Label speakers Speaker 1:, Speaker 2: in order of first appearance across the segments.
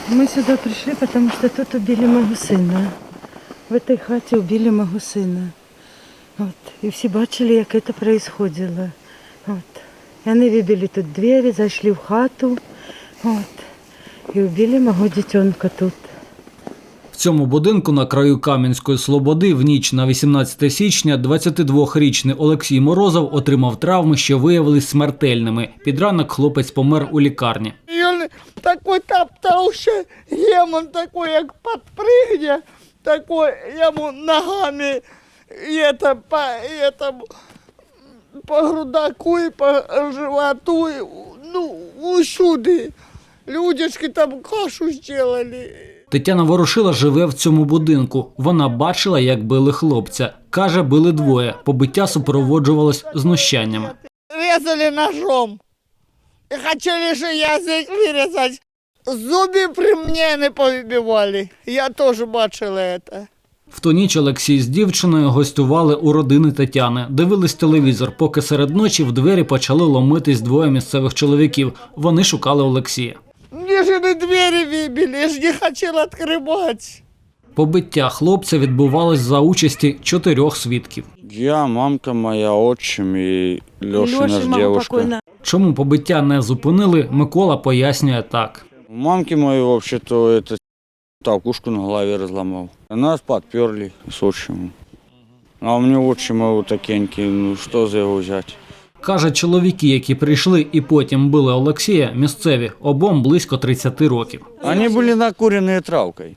Speaker 1: Мы сюда пришли, потому что тут убили моего сына. В этой хате убили моего сына. От. І всі бачили, як це происходило. От. І вони вибили тут двері, зайшли в хату. От. І убили мого дитинка тут.
Speaker 2: В цьому будинку на краю Кам'янської Слободи в ніч на 18 січня 22-річний Олексій Морозов отримав травми, що виявились смертельними. Під ранок хлопець помер у лікарні.
Speaker 3: Він такий топтався, гемон такий, як підпригне, такий йому ногами по грудаку і по животу, ну, усюди. Людишки там кашу зробили.
Speaker 2: Тетяна Ворошила живе в цьому будинку. Вона бачила, як били хлопця. Каже, били двоє. Побиття супроводжувалось знущаннями.
Speaker 3: Резали ножом. І хотіли ще язик вирізати. Зуби при мені не повибивали. Я теж бачила це.
Speaker 2: В ту ніч Олексій з дівчиною гостювали у родини Тетяни. Дивились телевізор, поки серед ночі в двері почали ломитись двоє місцевих чоловіків. Вони шукали Олексія.
Speaker 3: Мені ж не двері вибили, я ж не хотіла відкривати.
Speaker 2: Побиття хлопця відбувалось за участі 4 свідків.
Speaker 4: Я, мамка моя, отчим і Льошина ж дівчинка.
Speaker 2: Чому побиття не зупинили, Микола пояснює так.
Speaker 4: У мамки моей вообще-то это толкушку на голове разломал. Нас подперли с отчимом. А у меня отчима вот такенький, ну что за его взять?
Speaker 2: Каже, чоловіки, які прийшли і потім били Олексія, місцеві, обом близько 30 років.
Speaker 4: Они были накуренные травкой.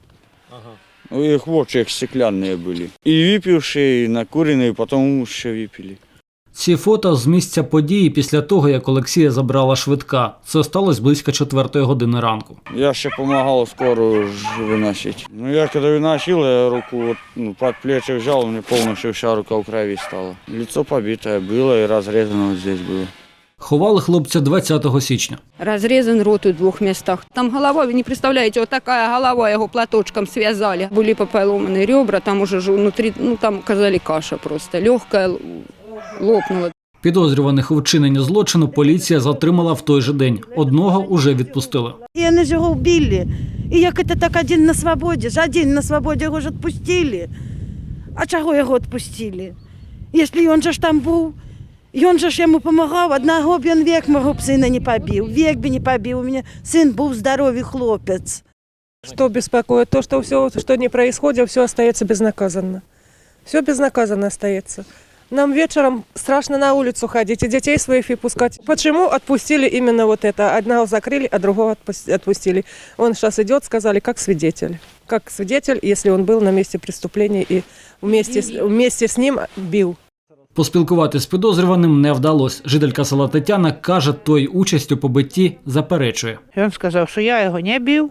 Speaker 4: У их очи стеклянные были. И выпившие, и накуренные, потом еще выпили.
Speaker 2: Ці фото з місця події після того, як Олексія забрала швидка. Це сталося близько 4 години ранку.
Speaker 4: Я ще помогал скорую выносить. Ну я когда выносил, я руку вот, под плечи взял, у меня полностью вся рука в крови стала. Лицо побитое было и разрезано вот здесь было.
Speaker 2: Ховали хлопця 20 січня.
Speaker 5: Разрезан рот у 2 местах. Там голова, вы не представляете, вот такая голова, его платочком связали. Были поломаны ребра, там уже внутри, ну там казали каша просто, легкая лопнула.
Speaker 2: Підозрюваних у вчиненні злочину поліція затримала в той же день. Одного уже відпустили.
Speaker 1: І вони ж його вбили. І як це так один на свободі? Ж один на свободі його ж відпустили. А чого його відпустили? Якщо він же ж там був, він же ж йому допомагав, одного б він вік мого б сина не побив, вік би не побив. У мене син був здоровий хлопець.
Speaker 6: Что беспокоит? То, что все, что не происходит, все остается безнаказанно. Все безнаказанно остается. Нам вечером страшно на улицу ходить и детей своих и пускать. Почему отпустили именно вот это? Одного закрыли, а другого отпустили. Он сейчас идет, сказали, как свидетель. Как свидетель, если он был на месте преступления и вместе с ним бил.
Speaker 2: Поспілкуватися з підозрюваним не вдалося. Жителька села Тетяна каже, той участь у побитті заперечує.
Speaker 7: Він сказав, що я його не бив.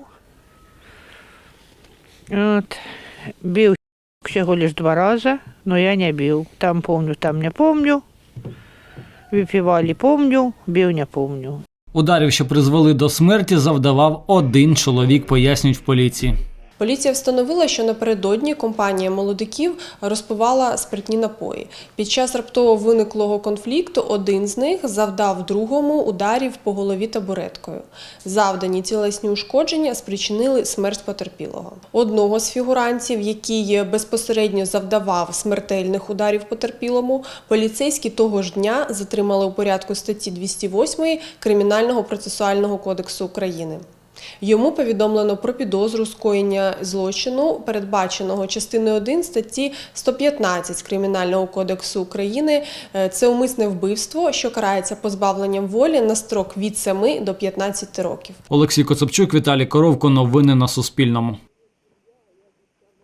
Speaker 7: От, бив всього лише 2 рази, але я не бив. Там помню, там не помню. Випивали, помню, бив не помню.
Speaker 2: Ударів, що призвели до смерті, завдавав один чоловік, пояснюють в поліції.
Speaker 8: Поліція встановила, що напередодні компанія молодиків розпивала спиртні напої. Під час раптово виниклого конфлікту один з них завдав другому ударів по голові табуреткою. Завдані тілесні ушкодження спричинили смерть потерпілого. Одного з фігурантів, який безпосередньо завдавав смертельних ударів потерпілому, поліцейські того ж дня затримали у порядку статті 208 Кримінального процесуального кодексу України. Йому повідомлено про підозру скоєння злочину, передбаченого частиною 1 статті 115 Кримінального кодексу України. Це умисне вбивство, що карається позбавленням волі на строк від 7 до 15 років.
Speaker 2: Олексій Коцепчук, Віталій Коровко. Новини на Суспільному.